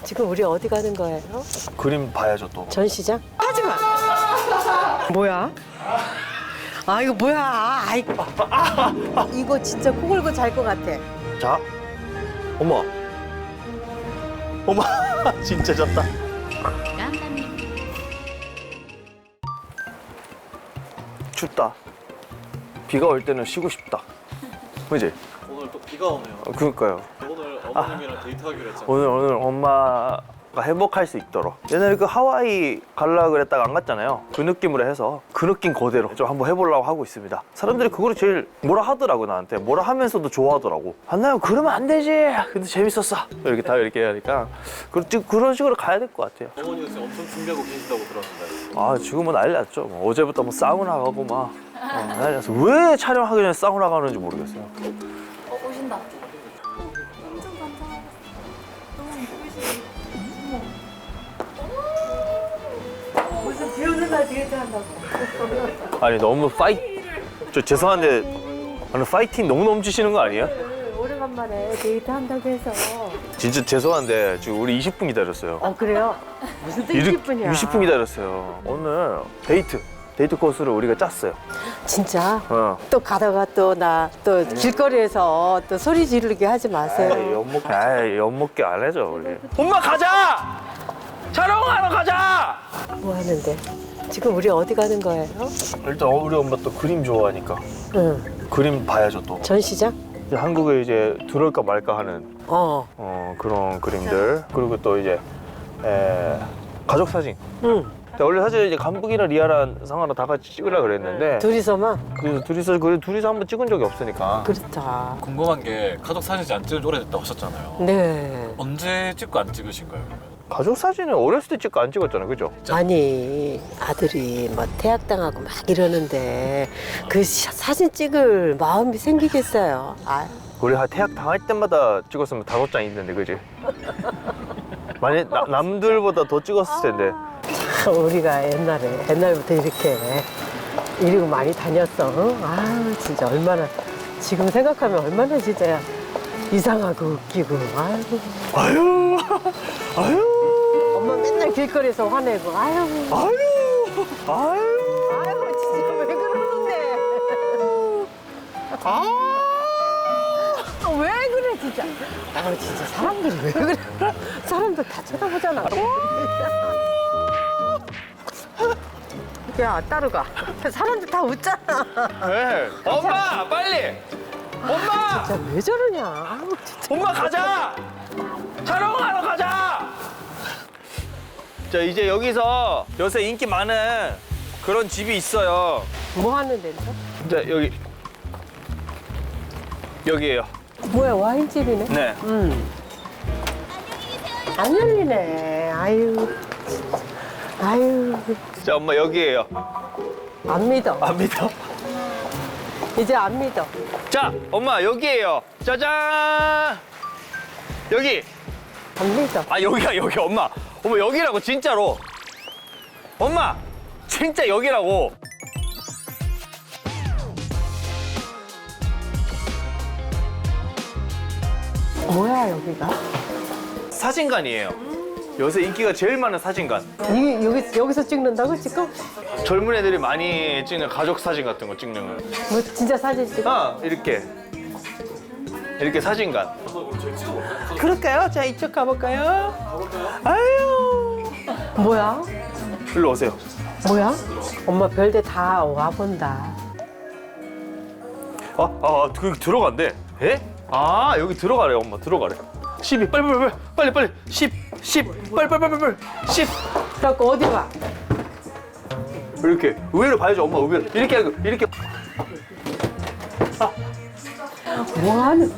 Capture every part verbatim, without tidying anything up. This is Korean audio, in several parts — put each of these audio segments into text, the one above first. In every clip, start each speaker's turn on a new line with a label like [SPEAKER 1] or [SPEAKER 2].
[SPEAKER 1] 지금 우리 어디 가는 거예요?
[SPEAKER 2] 그림 봐야죠 또.
[SPEAKER 1] 전시장? 하지 마. 뭐야? 아 이거 뭐야? 아이. 이거 진짜 코 골고 잘 것 같아.
[SPEAKER 2] 자, 어머, 어머, 진짜 졌다. 춥다. 비가 올 때는 쉬고 싶다. 그지?
[SPEAKER 3] 오늘 또 비가 오네요.
[SPEAKER 2] 어, 그러니까요.
[SPEAKER 3] 오늘 어머님이랑 데이트하기로 했잖아요.
[SPEAKER 2] 오늘 오늘 엄마가 행복할 수 있도록 옛날에 그 하와이 갈라 그랬다가 안 갔잖아요. 그 느낌으로 해서 그 느낌 그대로 좀 한번 해보려고 하고 있습니다. 사람들이 그거를 제일 뭐라 하더라고. 나한테 뭐라 하면서도 좋아하더라고. 한나요 그러면 안 되지. 근데 재밌었어. 이렇게 다 이렇게 하니까 그, 그런 식으로 가야 될 것 같아요.
[SPEAKER 3] 어머니가 지금 엄청 준비하고 계신다고 들었는데.
[SPEAKER 2] 아 지금은 난리 났죠. 뭐 어제부터 뭐 사우나 가고 막 어, 난리 났어. 왜 촬영하기 전에 사우나 가는지 모르겠어요.
[SPEAKER 4] 어, 오신다. 엄청 반짝하겠어. 너무 이쁘시네. 어머.
[SPEAKER 1] 무슨 비 오는 날 데이트 한다고.
[SPEAKER 2] 아니 너무 파이 저 죄송한데 아니 파이팅 너무 넘치시는 거 아니에요?
[SPEAKER 1] 오래간만에 데이트 한다고 해서.
[SPEAKER 2] 진짜 죄송한데 지금 우리 이십 분 기다렸어요.
[SPEAKER 1] 어 그래요? 무슨 또 이십 분이야?
[SPEAKER 2] 이십 분 기다렸어요. 오늘 데이트 데이트 코스를 우리가 짰어요.
[SPEAKER 1] 진짜?
[SPEAKER 2] 어.
[SPEAKER 1] 또 가다가 또 나 또 길거리에서 또 소리 지르게 하지 마세요.
[SPEAKER 2] 에이, 엿먹 에이, 엿먹게 안 해줘 우리. 엄마 가자. 촬영하러 가자.
[SPEAKER 1] 뭐 하는데? 지금 우리 어디 가는 거예요?
[SPEAKER 2] 일단 우리 엄마 또 그림 좋아하니까
[SPEAKER 1] 응.
[SPEAKER 2] 그림 봐야죠 또.
[SPEAKER 1] 전시장?
[SPEAKER 2] 이제 한국에 이제 들어올까 말까 하는
[SPEAKER 1] 어.
[SPEAKER 2] 어, 그런 그림들 그리고 또 이제 에, 가족 사진.
[SPEAKER 1] 응.
[SPEAKER 2] 근데 원래 사실 이제 간북이랑 리아랑 상아랑 다 같이 찍으려 그랬는데
[SPEAKER 1] 둘이서만?
[SPEAKER 2] 그래서 둘이서 그래 둘이서 한번 찍은 적이 없으니까.
[SPEAKER 1] 그렇다.
[SPEAKER 3] 궁금한 게 가족 사진 안 찍은 지 오래됐다고 하셨잖아요.
[SPEAKER 1] 네.
[SPEAKER 3] 언제 찍고 안 찍으신 거예요, 그러면?
[SPEAKER 2] 가족 사진은 어렸을 때 찍고 안 찍었잖아요, 그죠?
[SPEAKER 1] 아니 아들이 뭐 태학당하고 막 이러는데 그 시- 사진 찍을 마음이 생기겠어요. 아,
[SPEAKER 2] 우리 한 태학 당할 때마다 찍었으면 다섯 장 있는데, 그지? 만약 나- 남들보다 더 찍었을 텐데.
[SPEAKER 1] 우리가 옛날에 옛날부터 이렇게 이러고 많이 다녔어. 응? 아 진짜 얼마나 지금 생각하면 얼마나 진짜 이상하고 웃기고. 아이고.
[SPEAKER 2] 아유, 아유,
[SPEAKER 1] 엄마 맨날 길거리에서 화내고. 아유.
[SPEAKER 2] 아유, 아유.
[SPEAKER 1] 아유 진짜 왜 그러는데?
[SPEAKER 2] 아.
[SPEAKER 1] 아, 왜 그래 진짜? 아 진짜 사람들이 왜 그래? 사람들 다 쳐다보잖아. 야 따르가. 사람들 다 웃잖아.
[SPEAKER 2] 왜? 엄마, 빨리! 엄마!
[SPEAKER 1] 진짜 왜 저러냐? 아우, 진짜.
[SPEAKER 2] 엄마 가자! 촬영하러 가자! 자, 이제 여기서 요새 인기 많은 그런 집이 있어요.
[SPEAKER 1] 뭐 하는 데인데?
[SPEAKER 2] 자, 여기. 여기에요.
[SPEAKER 1] 뭐야 와인집이네?
[SPEAKER 2] 네.
[SPEAKER 1] 음. 안 열리네. 아유. 아유.
[SPEAKER 2] 자, 엄마 여기에요.
[SPEAKER 1] 안 믿어.
[SPEAKER 2] 안 믿어?
[SPEAKER 1] 이제 안 믿어.
[SPEAKER 2] 자, 엄마 여기에요. 짜잔! 여기.
[SPEAKER 1] 안 믿어.
[SPEAKER 2] 아, 여기야, 여기 엄마. 엄마 여기라고 진짜로. 엄마, 진짜 여기라고.
[SPEAKER 1] 뭐야 여기가?
[SPEAKER 2] 사진관이에요. 요새 인기가 제일 많은 사진관.
[SPEAKER 1] 이 여기 여기서 찍는다고 지금?
[SPEAKER 2] 젊은 애들이 많이 찍는 가족 사진 같은 거 찍는 거.
[SPEAKER 1] 뭐 진짜 사진 찍어?
[SPEAKER 2] 아, 이렇게. 이렇게 사진관. 그럴까요? 자, 이쪽 가볼까요? 아유.
[SPEAKER 1] 뭐야?
[SPEAKER 2] 일로 오세요.
[SPEAKER 1] 뭐야? 엄마 별데 다 와본다.
[SPEAKER 2] 아, 아, 그 들어간대. 에? 아, 여기 들어가래, 엄마. 들어가래. 십이, 빨리, 빨리, 빨리, 빨리, 빨리. 십, 십, 빨리, 빨리, 빨리, 빨리. 십.
[SPEAKER 1] 그래갖고 어디 가?
[SPEAKER 2] 이렇게. 의외로 봐야죠, 엄마. 의외로. 이렇게 하고, 이렇게.
[SPEAKER 1] 뭐 하는?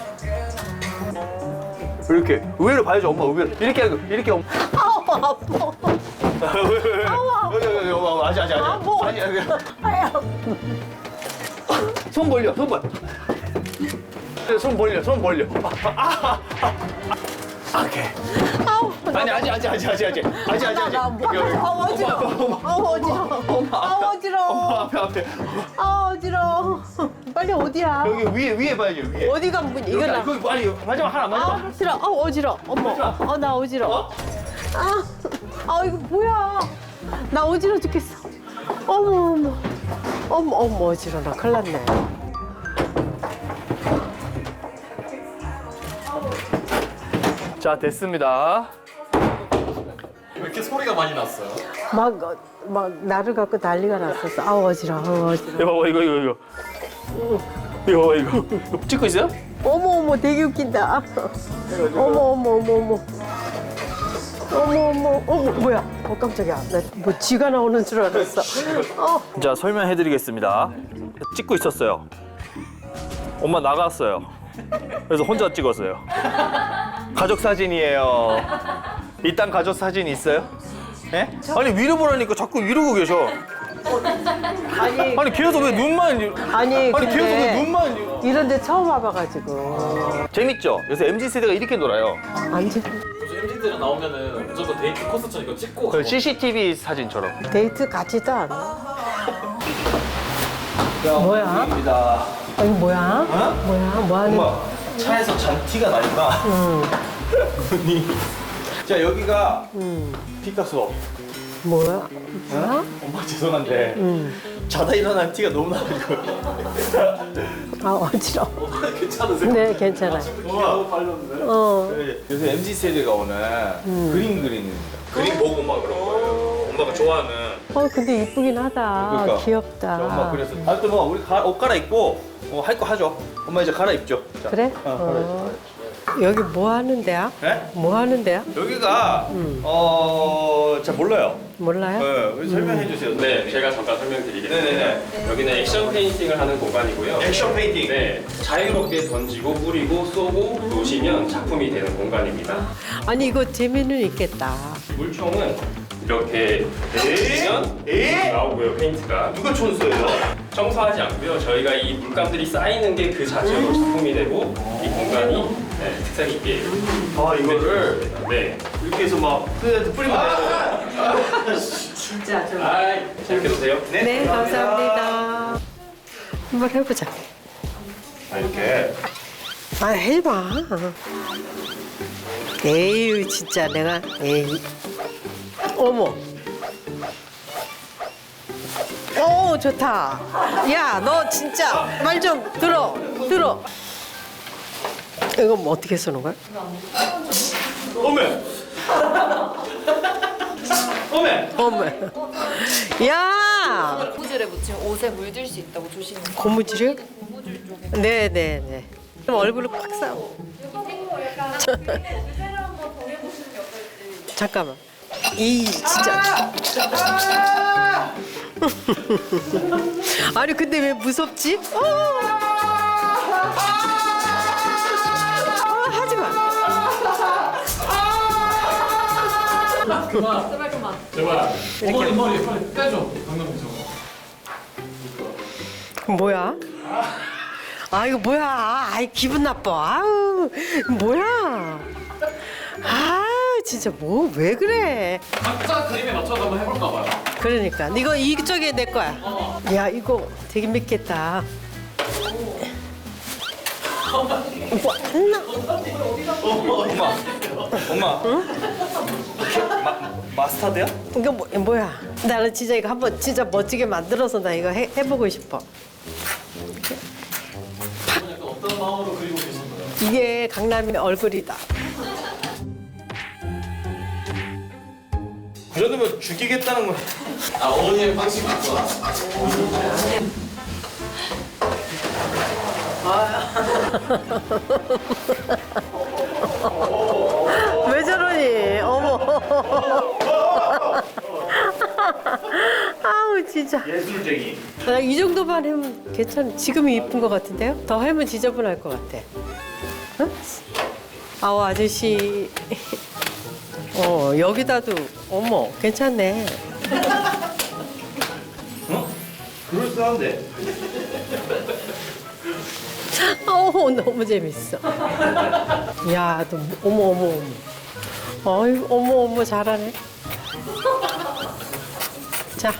[SPEAKER 2] 이렇게. 의외로 봐야죠, 엄마. 의외로. 이렇게 하고, 이렇게. 엄마.
[SPEAKER 1] 아우 아파.
[SPEAKER 2] 왜, 왜, 왜. 여기, 여기, 여기, 엄마. 아직, 아직, 아직.
[SPEAKER 1] 아, 뭐.
[SPEAKER 2] 아니, 아니.
[SPEAKER 1] 아야.
[SPEAKER 2] 손 벌려, 손 벌려. 손 벌려, 손 벌려. 아, 아, 아. 오케이.
[SPEAKER 1] 아우.
[SPEAKER 2] 아니, 아니 아직 아직 아직 아직 아직 아직 아직 아직.
[SPEAKER 1] 나 뭐, 아 어지러워. 아 어지러워. 아 어지러워.
[SPEAKER 2] 엄마 앞에 앞에.
[SPEAKER 1] 아 어지러워. 빨리 어디야?
[SPEAKER 2] 여기 위에 위에 봐야죠 위에.
[SPEAKER 1] 어디가 문 이거 나.
[SPEAKER 2] 여기 빨리 마지막 하나 마지막.
[SPEAKER 1] 아 싫어. 아 어지러. 어머. 어 나 어지러. 아, 아 이거 뭐야? 나 어지러 죽겠어. 어머 어머. 어머 어머 어지러 나 큰일 났네.
[SPEAKER 2] 자 됐습니다.
[SPEAKER 3] 왜 이렇게 소리가 많이 났어요?
[SPEAKER 1] 막 막 나를 갖고 난리가 났었어. 아 어지러. 아 어지러.
[SPEAKER 2] 이거 봐봐 이거 이거 이거. 이거 봐봐 이거. 이거 찍고 있어요?
[SPEAKER 1] 어머 어머 되게 웃긴다. 어머 어머 어머 어머. 어머 어머 어머 뭐야? 어 깜짝이야. 나 뭐 쥐가 나오는 줄 알았어. 어.
[SPEAKER 2] 자 설명해드리겠습니다. 찍고 있었어요. 엄마 나갔어요. 그래서 혼자 찍었어요. 가족 사진이에요. 이딴 가족 사진 있어요? 예? 아니 위로 보라니까 자꾸 이러고 계셔.
[SPEAKER 1] 아니
[SPEAKER 2] 아니 계속 왜 눈만
[SPEAKER 1] 아니
[SPEAKER 2] 아니
[SPEAKER 1] 근데
[SPEAKER 2] 계속 왜 눈만
[SPEAKER 1] 이런데 처음 와봐가지고
[SPEAKER 2] 재밌죠? 요새 엠지 세대가 이렇게 놀아요.
[SPEAKER 1] 완전
[SPEAKER 3] 요즘 엠지들은 나오면은 무조건 데이트 코스처럼 이거 찍고
[SPEAKER 2] 그
[SPEAKER 3] 가고.
[SPEAKER 2] 씨씨티비 사진처럼.
[SPEAKER 1] 데이트 같지도 않아. 뭐야?
[SPEAKER 2] 입니다.
[SPEAKER 1] 아니 뭐야?
[SPEAKER 2] 어?
[SPEAKER 1] 뭐야? 뭐 하는?
[SPEAKER 2] 엄마 차에서 잔티가 나니까.
[SPEAKER 1] 응.
[SPEAKER 2] 언니. 자 여기가
[SPEAKER 1] 응.
[SPEAKER 2] 피카소.
[SPEAKER 1] 뭐야? 뭐야?
[SPEAKER 2] 엄마 죄송한데
[SPEAKER 1] 응.
[SPEAKER 2] 자다 일어난 티가 너무 나가지고.
[SPEAKER 1] 아 어지러워.
[SPEAKER 3] 괜찮으세요?
[SPEAKER 1] 네 괜찮아.
[SPEAKER 3] 너무 빨렸는데?
[SPEAKER 1] 어.
[SPEAKER 2] 요새 엠지 세대가 오늘 그림 그리는 그림 보고 막 그런 거예요. 엄마가 좋아하는.
[SPEAKER 1] 어 근데 이쁘긴 하다.
[SPEAKER 2] 그러니까.
[SPEAKER 1] 귀엽다.
[SPEAKER 2] 자, 엄마 그래서 아, 또 뭐 우리 가, 옷 갈아입고 어, 할 거 하죠. 엄마 이제 갈아입죠. 자.
[SPEAKER 1] 그래?
[SPEAKER 2] 어,
[SPEAKER 1] 어. 여기 뭐 하는 데야?
[SPEAKER 2] 네?
[SPEAKER 1] 뭐 하는 데야?
[SPEAKER 2] 여기가
[SPEAKER 1] 음.
[SPEAKER 2] 어, 잘 몰라요.
[SPEAKER 1] 몰라요?
[SPEAKER 2] 네, 여기 설명해 주세요.
[SPEAKER 5] 네, 제가 잠깐 설명드리겠습니다.
[SPEAKER 2] 네네네.
[SPEAKER 5] 여기는 액션 페인팅을 하는 공간이고요.
[SPEAKER 2] 액션 페인팅.
[SPEAKER 5] 네, 자유롭게 던지고 뿌리고 쏘고 놓으시면 작품이 되는 공간입니다.
[SPEAKER 1] 아니 이거 재미는 있겠다.
[SPEAKER 5] 물총은 이렇게 던지면
[SPEAKER 2] 에?
[SPEAKER 5] 나오고요, 페인트가.
[SPEAKER 2] 누가 촌수예요?
[SPEAKER 5] 청소하지 않고요. 저희가 이 물감들이 쌓이는 게 그 자체로 작품이 되고 이 공간이 네, 특색 있게
[SPEAKER 2] 아 이거를
[SPEAKER 5] 네.
[SPEAKER 2] 이렇게 해서 막 뿌리면 뿌리면 돼요.
[SPEAKER 1] 진짜 좀.
[SPEAKER 5] 아이, 재밌게 노세요.
[SPEAKER 1] 네 감사합니다. 한번 해보자.
[SPEAKER 2] 아, 이렇게.
[SPEAKER 1] 아 해봐. 에이 진짜 내가 에이. 어머. 오 좋다. 야 너 진짜 말 좀 들어 들어. 이거 뭐 어떻게 쓰는 거야?
[SPEAKER 2] 어메. 어메.
[SPEAKER 1] 어머. 야
[SPEAKER 4] 고무줄에 묻히면 옷에 물들 수 있다고 조심해.
[SPEAKER 1] 고무줄이요?
[SPEAKER 4] 고무줄 쪽에.
[SPEAKER 1] 네네네. 그럼 얼굴을 꽉 싸고. 잠깐만. 이 진짜. 아니 근데 왜 무섭지? 어! 어, 하지 마.
[SPEAKER 3] 그만.
[SPEAKER 4] 제발 그만.
[SPEAKER 3] 제발. 어머니 머리 빨리 빼줘. 강남이 저거.
[SPEAKER 1] 뭐야? 아 이거 뭐야? 아이 기분 나빠. 아우 뭐야? 아 진짜 뭐 왜 그래?
[SPEAKER 3] 각자 그림에 맞춰서 한번 해볼까 봐요.
[SPEAKER 1] 그러니까 이거 이쪽에 내 거야. 야 이거 되게 맵겠다. 뭐 하나?
[SPEAKER 2] 엄마. 엄마. 마, 마스타드야?
[SPEAKER 1] 이거 뭐, 뭐야? 나는 진짜 이거 한번 진짜 멋지게 만들어서 나 이거 해, 해보고 싶어.
[SPEAKER 3] 약간 어떤 마음으로 그리고 계신 거예요?
[SPEAKER 1] 이게 강남의 얼굴이다.
[SPEAKER 2] 그 정도면 죽이겠다는 거.
[SPEAKER 3] 아 어머니의 방식 맞구나.
[SPEAKER 1] 왜 저러니? 어머. 아우 진짜.
[SPEAKER 2] 예술쟁이.
[SPEAKER 1] 나 이 정도만 하면 괜찮. 지금이 이쁜 것 같은데요? 더 하면 지저분할 것 같아. 응? 아우 아저씨. 어 여기다도 어머 괜찮네.
[SPEAKER 2] 어? 그럴싸한데?
[SPEAKER 1] 어 너무 재밌어. 야, 너 어머 어머 어머. 어이, 어머, 어머, 잘하네. 자,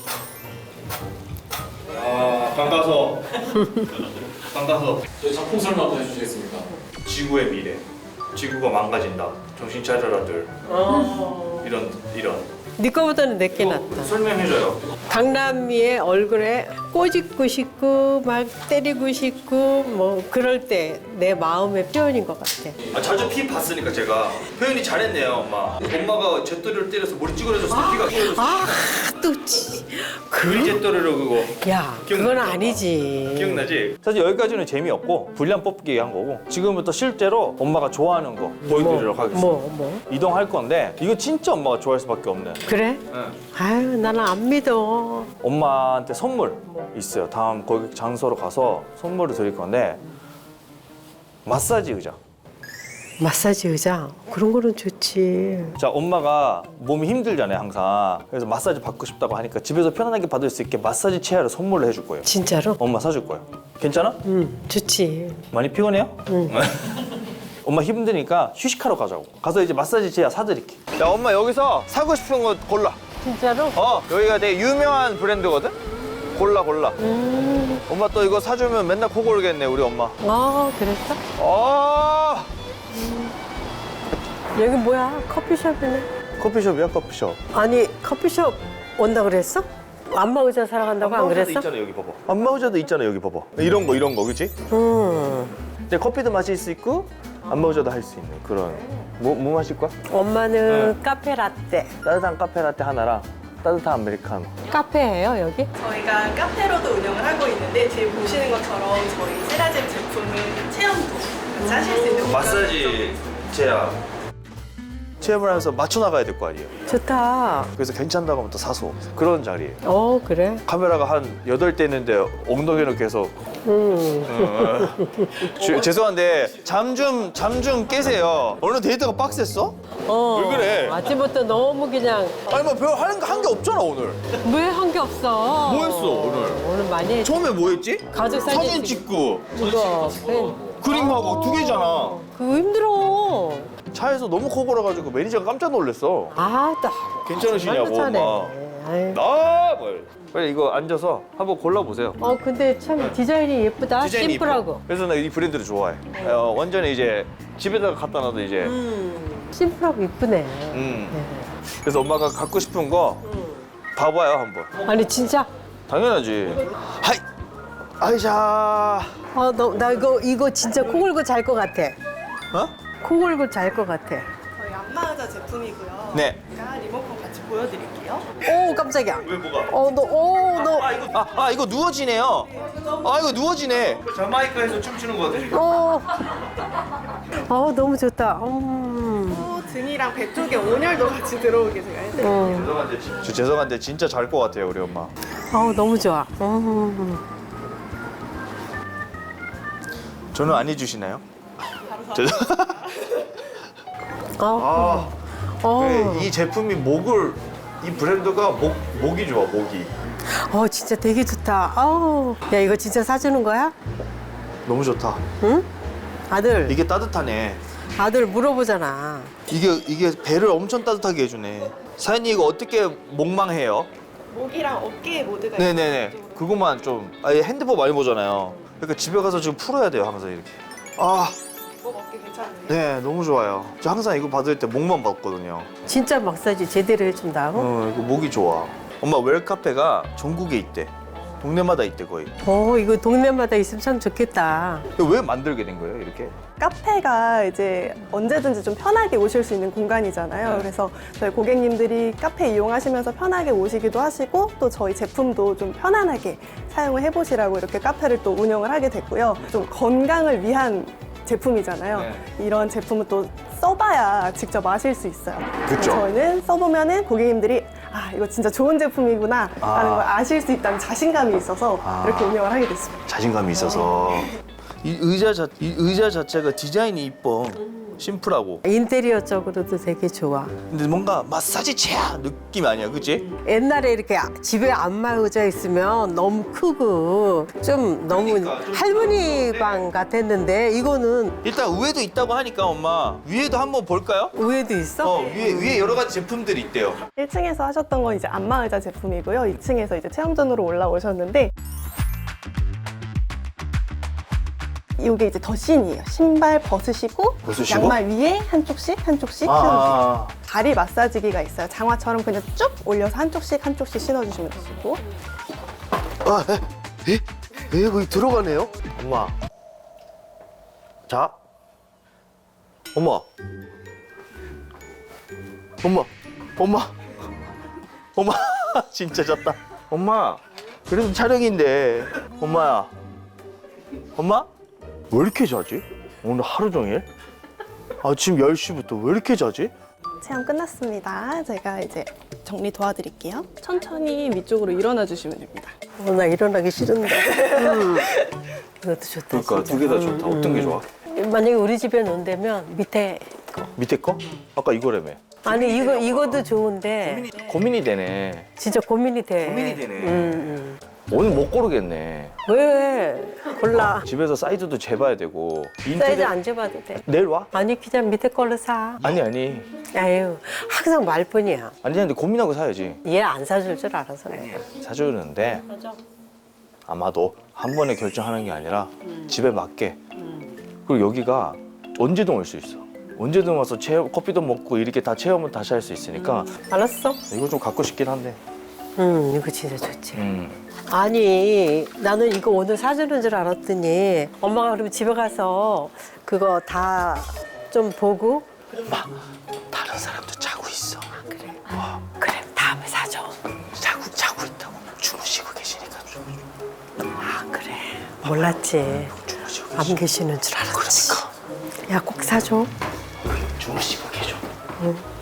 [SPEAKER 2] 아, 반가서. 반가서.
[SPEAKER 3] 저희 작품 설명 한번 해주시겠습니까?
[SPEAKER 2] 지구의 미래. 지구가 망가진다. 정신 차려라들. 이런 이런.
[SPEAKER 1] 네 거보다는 내게 낫다.
[SPEAKER 2] 설명해줘요.
[SPEAKER 1] 강남이의 얼굴에 꼬집고 싶고 막 때리고 싶고 뭐 그럴 때 내 마음의 표현인 것 같아.
[SPEAKER 2] 아, 자주 피 봤으니까 제가 표현이 잘했네요, 엄마. 엄마가 잿더리를 때려서 머리 찌그러졌을 때 피가 튀어졌어.
[SPEAKER 1] 아, 또 치.
[SPEAKER 2] 그 잿더리로 그거.
[SPEAKER 1] 야, 그건
[SPEAKER 2] 기억나죠?
[SPEAKER 1] 아니지.
[SPEAKER 2] 기억나지? 사실 여기까지는 재미없고 분량 뽑기 한 거고 지금부터 실제로 엄마가 좋아하는 거 보여드리도록 하겠습니다.
[SPEAKER 1] 뭐, 뭐.
[SPEAKER 2] 이동할 건데 이거 진짜 엄마가 좋아할 수밖에 없네.
[SPEAKER 1] 그래?
[SPEAKER 2] 응.
[SPEAKER 1] 아유, 나는 안 믿어.
[SPEAKER 2] 엄마한테 선물 있어요. 다음 거기 장소로 가서 선물을 드릴 건데 마사지 의자.
[SPEAKER 1] 마사지 의자? 그런 거는 좋지.
[SPEAKER 2] 자, 엄마가 몸이 힘들잖아요, 항상. 그래서 마사지 받고 싶다고 하니까 집에서 편안하게 받을 수 있게 마사지 체어를 선물로 해줄 거예요.
[SPEAKER 1] 진짜로?
[SPEAKER 2] 엄마 사줄 거예요. 괜찮아?
[SPEAKER 1] 응, 좋지.
[SPEAKER 2] 많이 피곤해요? 응. 엄마 힘드니까 휴식하러 가자고. 가서 이제 마사지 체어 사드릴게. 야, 엄마 여기서 사고 싶은 거 골라.
[SPEAKER 1] 진짜로?
[SPEAKER 2] 어, 여기가 되게 유명한 브랜드거든? 골라, 골라.
[SPEAKER 1] 음,
[SPEAKER 2] 엄마 또 이거 사주면 맨날 코 골겠네, 우리 엄마.
[SPEAKER 1] 아, 그랬어?
[SPEAKER 2] 아,
[SPEAKER 1] 여기 뭐야? 커피숍이네.
[SPEAKER 2] 커피숍이야, 커피숍.
[SPEAKER 1] 아니, 커피숍 온다 그랬어? 안마 의자 사러 간다고 안 그랬어?
[SPEAKER 2] 있잖아, 여기 봐봐. 안마 의자도 있잖아, 여기 봐봐. 이런 거, 이런 거, 그치?
[SPEAKER 1] 응.
[SPEAKER 2] 근데 커피도 마실 수 있고 안마 의자도 할 수 있는 그런. 뭐, 뭐 마실 거야?
[SPEAKER 1] 엄마는 카페 라떼.
[SPEAKER 2] 따뜻한 카페 라떼 하나랑 따뜻한 아메리카노.
[SPEAKER 1] 카페예요, 여기?
[SPEAKER 6] 저희가 카페로도 운영을 하고 있는데 지금 보시는 것처럼 저희 세라젬 제품을 체험도 같이 하실 수 있는
[SPEAKER 2] 마사지 체야. 체험을 하면서 맞춰 나가야 될 거 아니에요.
[SPEAKER 1] 좋다.
[SPEAKER 2] 그래서 괜찮다고 하면 또 사서 그런 자리예요.
[SPEAKER 1] 어, 그래?
[SPEAKER 2] 카메라가 한 여덟 대 있는데 엉덩이는 계속.
[SPEAKER 1] 응.
[SPEAKER 2] 어. 주- 죄송한데 잠 좀 잠 좀 깨세요. 오늘 데이트가 빡셌어?
[SPEAKER 1] 어.
[SPEAKER 2] 왜 그래?
[SPEAKER 1] 아침부터 너무 그냥
[SPEAKER 2] 아니 뭐 별 하는 거 한 게 없잖아 오늘.
[SPEAKER 1] 왜 한 게 없어?
[SPEAKER 2] 뭐 했어, 오늘?
[SPEAKER 1] 오늘 많이 했지.
[SPEAKER 2] 처음에 뭐 했지?
[SPEAKER 1] 가족 사진
[SPEAKER 2] 사진
[SPEAKER 1] 찍-
[SPEAKER 2] 찍고
[SPEAKER 1] 이거 펜.
[SPEAKER 2] 그림하고 두 개잖아.
[SPEAKER 1] 그거 힘들어.
[SPEAKER 2] 차에서 너무 커 걸어가지고 매니저가 깜짝 놀랐어.
[SPEAKER 1] 아, 딱.
[SPEAKER 2] 괜찮으시냐고,
[SPEAKER 1] 정말
[SPEAKER 2] 엄마.
[SPEAKER 1] 아유.
[SPEAKER 2] 아, 뭘. 빨리 이거 앉아서 한번 골라보세요.
[SPEAKER 1] 어, 근데 참 디자인이 예쁘다.
[SPEAKER 2] 디자인이
[SPEAKER 1] 심플하고.
[SPEAKER 2] 이뻐. 그래서 나 이 브랜드를 좋아해. 어, 완전히 이제 집에다가 갖다 놔도 이제.
[SPEAKER 1] 심플하고 이쁘네.
[SPEAKER 2] 음.
[SPEAKER 1] 네.
[SPEAKER 2] 그래서 엄마가 갖고 싶은 거 봐봐요 한번.
[SPEAKER 1] 아니, 진짜?
[SPEAKER 2] 당연하지. 하이. 아이샤.
[SPEAKER 1] 어, 너, 나 이거, 이거 진짜 코 골고 잘 것 같아.
[SPEAKER 2] 어?
[SPEAKER 1] 코 골고 잘 것 같아.
[SPEAKER 6] 저희 안마의자 제품이고요.
[SPEAKER 2] 네.
[SPEAKER 6] 제가 리모컨 같이 보여드릴게요.
[SPEAKER 1] 오, 깜짝이야.
[SPEAKER 2] 왜 뭐가?
[SPEAKER 1] 어, 너, 오, 너.
[SPEAKER 2] 아 이거 아, 아 이거 누워지네요. 아 이거 누워지네. 자마이카에서 춤추는 거 같아.
[SPEAKER 1] 어. 어, 너무 좋다. 음.
[SPEAKER 6] 또 등이랑 배 쪽에 온열도 같이 들어오게 제가 해드릴게요.
[SPEAKER 1] 어.
[SPEAKER 2] 죄송한데 진- 저 죄송한데 진짜 잘 것 같아요 우리 엄마.
[SPEAKER 1] 어, 너무 좋아. 음.
[SPEAKER 2] 저는 안 해주시나요? 죄송.
[SPEAKER 1] 어.
[SPEAKER 2] 아,
[SPEAKER 1] 어.
[SPEAKER 2] 그래, 이 제품이 목을 이 브랜드가 목 목이 좋아 목이.
[SPEAKER 1] 어, 진짜 되게 좋다. 아우. 야, 이거 진짜 사주는 거야?
[SPEAKER 2] 너무 좋다.
[SPEAKER 1] 응? 아들,
[SPEAKER 2] 이게 따뜻하네.
[SPEAKER 1] 아들 물어보잖아.
[SPEAKER 2] 이게 이게 배를 엄청 따뜻하게 해주네. 사연이 이거 어떻게 목망해요?
[SPEAKER 6] 목이랑 어깨 모두가
[SPEAKER 2] 네네네. 그것만 좀. 아, 얘 핸드폰 많이 보잖아요. 그러니까 집에 가서 지금 풀어야 돼요 항상 이렇게. 아,
[SPEAKER 6] 목 어깨 괜찮네요.
[SPEAKER 2] 네 너무 좋아요. 저 항상 이거 받을 때 목만 받거든요.
[SPEAKER 1] 진짜 마사지 제대로 해준다고?
[SPEAKER 2] 어, 이거 목이 좋아. 엄마 웰카페가 전국에 있대. 동네마다 있대 거의.
[SPEAKER 1] 어, 이거 동네마다 있으면 참 좋겠다.
[SPEAKER 2] 왜 만들게 된 거예요 이렇게?
[SPEAKER 6] 카페가 이제 언제든지 좀 편하게 오실 수 있는 공간이잖아요. 그래서 저희 고객님들이 카페 이용하시면서 편하게 오시기도 하시고 또 저희 제품도 좀 편안하게 사용을 해보시라고 이렇게 카페를 또 운영을 하게 됐고요. 좀 건강을 위한 제품이잖아요.
[SPEAKER 2] 네.
[SPEAKER 6] 이런 제품은 또 써봐야 직접 아실 수 있어요.
[SPEAKER 2] 그쵸.
[SPEAKER 6] 저희는 써보면은 고객님들이 아 이거 진짜 좋은 제품이구나
[SPEAKER 2] 아.
[SPEAKER 6] 라는 걸 아실 수 있다는 자신감이 있어서
[SPEAKER 2] 아.
[SPEAKER 6] 이렇게 운영을 하게 됐습니다.
[SPEAKER 2] 자신감이 있어서. 이 의자 자, 이 의자 자체가 디자인이 이뻐. 심플하고.
[SPEAKER 1] 인테리어 쪽으로도 되게 좋아.
[SPEAKER 2] 근데 뭔가 마사지 체야 느낌 아니야, 그치?
[SPEAKER 1] 옛날에 이렇게 집에 안마 의자 있으면 너무 크고 좀 너무 할머니 방 같았는데 이거는
[SPEAKER 2] 일단 위에도 있다고 하니까 엄마 위에도 한번 볼까요?
[SPEAKER 1] 위에도 있어?
[SPEAKER 2] 어 위에 위에 여러 가지 제품들이 있대요.
[SPEAKER 6] 일 층에서 하셨던 건 이제 안마의자 제품이고요. 이 층에서 이제 체험존으로 올라오셨는데 이게 이제 더신이에요. 신발 벗으시고,
[SPEAKER 2] 벗으시고?
[SPEAKER 6] 양말 위에 한쪽씩 한쪽씩 신어주세요. 다리 마사지기가 있어요. 장화처럼 그냥 쭉 올려서 한쪽씩 한쪽씩 신어주시면 되시고.
[SPEAKER 2] 아, 에? 에? 에? 거기 들어가네요? 엄마. 자. 엄마. 엄마. 엄마. 엄마. 진짜 잤다. 엄마. 그래도 촬영인데. 엄마야. 엄마? 왜 이렇게 자지? 오늘 하루 종일? 아침 열 시부터 왜 이렇게 자지?
[SPEAKER 6] 체험 끝났습니다. 제가 이제 정리 도와드릴게요. 천천히 위쪽으로 일어나 주시면 됩니다.
[SPEAKER 1] 어, 나 일어나기 싫은데. 음. 이것도 좋다.
[SPEAKER 2] 그러니까
[SPEAKER 1] 진짜.
[SPEAKER 2] 두 개 다 좋다.
[SPEAKER 1] 음,
[SPEAKER 2] 어떤 게 좋아?
[SPEAKER 1] 만약에 우리 집에 논다면 밑에 거.
[SPEAKER 2] 밑에 거? 아까 이거라며.
[SPEAKER 1] 아니 이거 이거도 좋은데
[SPEAKER 2] 고민이 되네.
[SPEAKER 1] 진짜 고민이 돼.
[SPEAKER 2] 고민이 되네.
[SPEAKER 1] 음,
[SPEAKER 2] 오늘 못 고르겠네.
[SPEAKER 1] 음. 왜? 골라.
[SPEAKER 2] 집에서 사이즈도 재봐야 되고.
[SPEAKER 1] 사이즈 안 재봐도 돼.
[SPEAKER 2] 내일 와?
[SPEAKER 1] 아니 그냥 밑에 걸로 사.
[SPEAKER 2] 아니 아니.
[SPEAKER 1] 아유 항상 말뿐이야.
[SPEAKER 2] 아니 근데 고민하고 사야지.
[SPEAKER 1] 얘 안 사줄 줄 알아서 해.
[SPEAKER 2] 사주는데
[SPEAKER 1] 맞아.
[SPEAKER 2] 아마도 한 번에 결정하는 게 아니라 집에 맞게. 그리고 여기가 언제든 올 수 있어. 언제든 와서 체험, 커피도 먹고 이렇게 다 체험을 다시 할 수 있으니까
[SPEAKER 1] 알았어?
[SPEAKER 2] 이거 좀 갖고 싶긴 한데.
[SPEAKER 1] 응 이거 진짜 좋지.
[SPEAKER 2] 음.
[SPEAKER 1] 아니 나는 이거 오늘 사주는 줄 알았더니 엄마가 그러면 집에 가서 그거 다 좀 보고
[SPEAKER 2] 엄마 다른 사람도 자고 있어.
[SPEAKER 1] 그래 그래 다음에 사줘.
[SPEAKER 2] 자고 자고 있다고 주무시고 계시니까.
[SPEAKER 1] 아 그래 몰랐지.
[SPEAKER 2] 주무시고
[SPEAKER 1] 안 계시는 줄 알았지.
[SPEAKER 2] 그러니까
[SPEAKER 1] 야 꼭 사줘.
[SPEAKER 2] 주무시고 계셔.
[SPEAKER 1] 응.